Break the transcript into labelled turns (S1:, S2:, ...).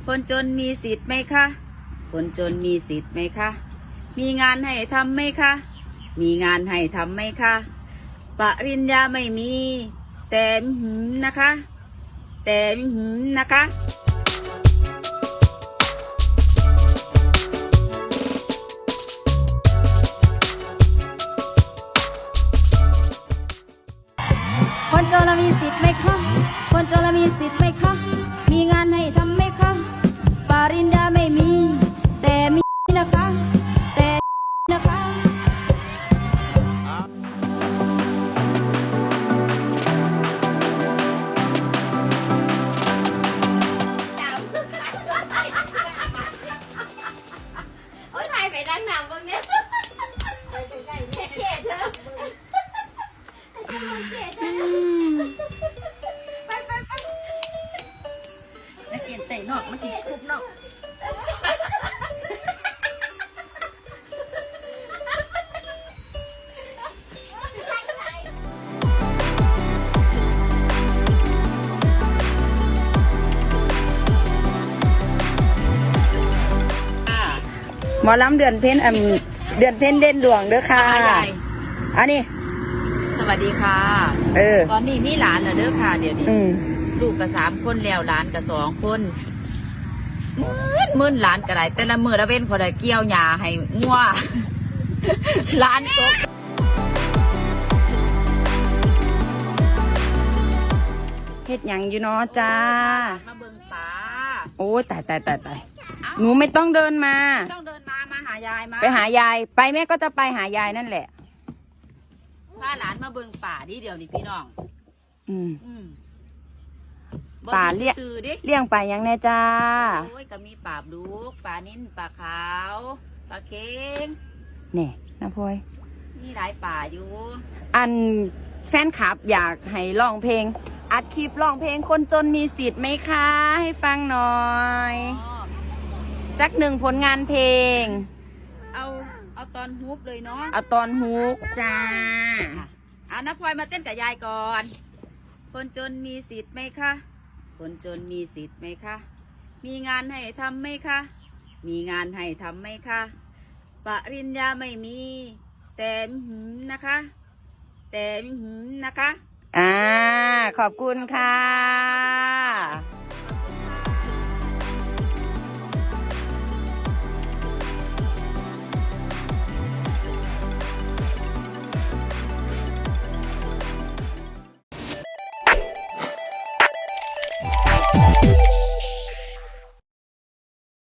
S1: คนจนมีสิทธิ์ไหมคะ คนจนมีสิทธิ์ไหมคะ มีงานให้ทำไหมคะ มีงานให้ทำไหมคะ ปริญญาไม่มี แต่นะคะ แต่นะคะ คนจนมีสิทธิ์ไหมคะ คนจนมีสิทธิ์ไหมคะ มีงานให้ทำไหมคะ ปริญญาไม่มี แต่มีนะคะ แต่นะคะ
S2: โอ้ยถ่ายไปดังหนำบ้างเนี่ยไปเกลียดเธอไปนักเรียนเตะนอกมาจีคุบนอก
S1: หมอลำเดือนเพ็ญเดือนเพ็ญเด่นดวงเด้อค่ะอันนี้สวัสดีค่ะตอนนี้มีหลานเหรอเด้อค่ะเดี๋ยวนี้ลูกกับ3 คนแล้วหลานกับ2 คนมื่นหลานก็ได้แต่ละมือละเว้นคนละเกี่ยวหญ้าให้งัวหลานตกเฮ็ดหยังอยู่เนาะจ้ามาเบิ่งป่าโอ้ยตายหนูไม่ต้องเดินมาต้องเดินมาหายายมาไปหายายไปแม่ก็จะไปหายายนั่นแหละพาหลานมาเบิ่งป่าดิเดี๋ยวนี้พี่น้องป่าเลี้ยงป่ายังแน่จ้าโอ้ยก็มีป่าบลูกป่านิ่นป่าขาวป่าเค็งแน่นะพลอยนี่หลายป่าอยู่อันแฟนคลับอยากให้ร้องเพลงอัดคลิปร้องเพลงคนจนมีสิทธิ์ไหมคะให้ฟังหน่อยสัก1 ผลงานเพลงเอาตอนฮุกเลยเนาะเอาตอนฮุกจ้าน้าพลอยมาเต้นกับยายก่อนคนจนมีสิทธิ์ไหมคะคนจนมีสิทธิ์ไหมคะมีงานให้ทำไหมคะมีงานให้ทำไหมคะปริญญาไม่มีแต่นะคะ แต่นะคะขอบคุณค่ะ